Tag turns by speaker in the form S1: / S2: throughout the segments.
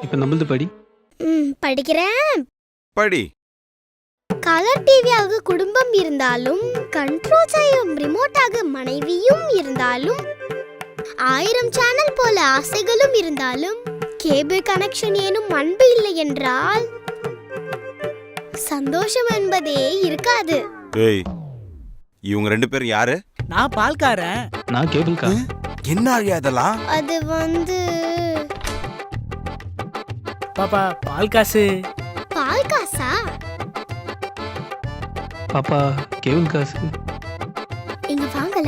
S1: இப்ப நம்மளது படி.
S2: படிக்கிறேன்.
S3: படி.
S2: கலர் டிவியாக குடும்பம் இருந்தாலும் கண்ட்ரோல் செய்யும் ரிமோட்டாக மனைவியும் இருந்தாலும் 1000 சேனல் போல ஆசைகளும் இருந்தாலும் கேபிள் கனெக்ஷன் ஏனும் அன்பு இல்லை என்றால் சந்தோஷம் என்பதே இருக்காது.
S3: ஏய், இவங்க 2 பேரும் யாரு?
S4: நான் பால்காரன்.
S1: நான் கேபிள்கா.
S3: என்ன ஆழியா இதெல்லாம்?
S2: அது வந்து
S4: பாப்பா பால் காசு.
S2: பால் காசா?
S1: பாப்பா கேபிள் காசு.
S2: இங்க வாங்கல.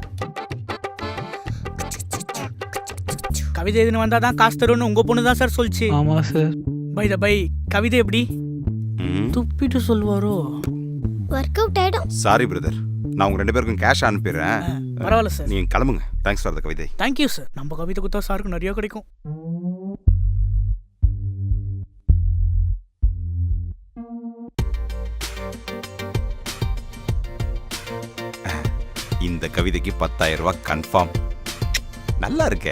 S4: கவிதை எதுன்னு வந்தா தான் காசு தரும்னு உங்க பொண்ணு தான் சார் சொல்லிச்சு.
S1: ஆமா சார்.
S4: பை த பை கவிதை எப்படி துப்பிட்டு சொல்வாரோ?
S2: ஒர்க் அவுட் ஆயிடும்.
S3: சாரி பிரதர், நான் உங்க 2 பேருக்கும் கேஷ் அனுப்பிடுறேன்.
S4: பரவாயில்ல சார்,
S3: நீங்க கிளம்புங்க. தேங்க்ஸ் ஃபார் த கவிதை.
S4: Thank you sir. நம்ம கவிதை கொடுத்தா சாருக்கு நிறைய கிடைக்கும்.
S3: இந்த கவிதைக்கு 10,000 ரூபாய் கன்ஃபார்ம். நல்லா இருக்கே.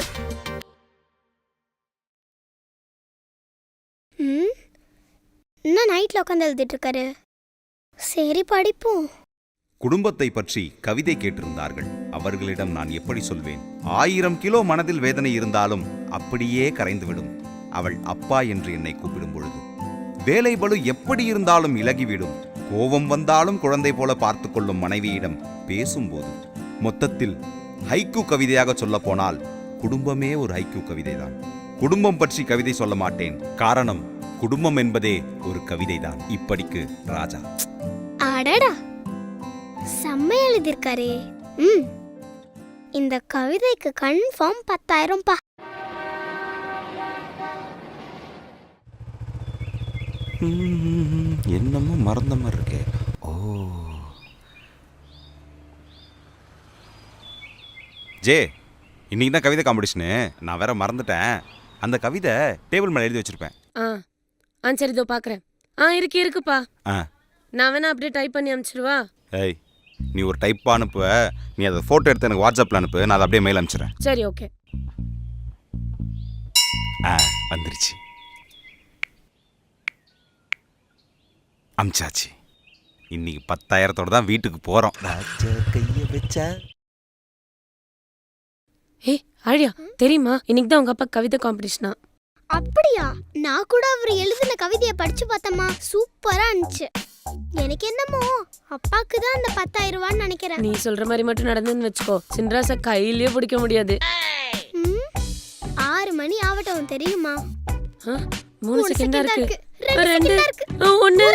S2: இன்னும் நைட்ல உட்காந்து எழுதிட்டு இருக்காரு. சரி படிப்போம்.
S3: குடும்பத்தை பற்றி கவிதை கேட்டிருந்தார்கள். அவர்களிடம் நான் எப்படி சொல்வேன்? 1000 கிலோ மனதில் வேதனை இருந்தாலும் அப்படியே கரைந்துவிடும் அவள் அப்பா என்று என்னை கூப்பிடும் பொழுது. வேலை பளு எப்படி இருந்தாலும் இலகிவிடும். கோபம் வந்தாலும் குழந்தை போல பார்த்து கொள்ளும் மனைவியிடம் பேசும்போது. மொத்தத்தில் ஹைக்கூ கவிதையாக சொல்ல போனால் குடும்பமே ஒரு ஹைக்கூ கவிதைதான். குடும்பம் பற்றி கவிதை சொல்ல மாட்டேன். காரணம், குடும்பம் என்பதே ஒரு கவிதைதான். இப்படிக்கு ராஜா.
S2: அடடா, செம்ம எழுதிருக்காரே. இந்த கவிதைக்கு கன்ஃபார்ம் 10,000 பா.
S3: என்னமோ மறந்த மாதிரி இருக்கே. ஓ ஜே, இன்னைக்கு தான் கவிதை காம்படிஷனு. நான் வேற மறந்துட்டேன். அந்த கவிதை டேபிள் மேலே எழுதி வச்சிருப்பேன்.
S5: சரி இதோ பார்க்குறேன். இருக்குப்பா. நான் வேணா அப்படியே டைப் பண்ணி அனுப்பிச்சிடுவா.
S3: ஏய், நீ ஒரு டைப் அனுப்புவ. நீ அதை ஃபோட்டோ எடுத்து எனக்கு வாட்ஸ்அப்பில் அனுப்பு. நான் அதை அப்படியே மெயில் அனுப்பிச்சிடுறேன்.
S5: சரி ஓகே.
S3: வந்துருச்சு. அமிச்சாச்சு. இன்னைக்கு 10,000 தான் வீட்டுக்கு போகிறோம். கையை வச்சா
S5: ஆழியா தெரியுமா, இன்னைக்கு தான் உங்க அப்பா கவிதை காம்படிஷனா?
S2: அப்படியா? நான் கூட அவர் எழுதின கவிதையை படிச்சு பார்த்தமா, சூப்பரா இருந்துச்சு. எனக்கு என்னமோ அப்பாக்கு தான் அந்த 10,000 ரூபான்னு நினைக்கிறேன்.
S5: நீ சொல்ற மாதிரி மட்டும் நடந்துன்னு வச்சுக்கோ, சின்ராச கையிலேயே பிடிக்க முடியாது.
S2: 6 மணி ஆகட்டும் தெரியுமா?
S5: 3 செகண்டா இருக்கு.
S2: 2
S5: 1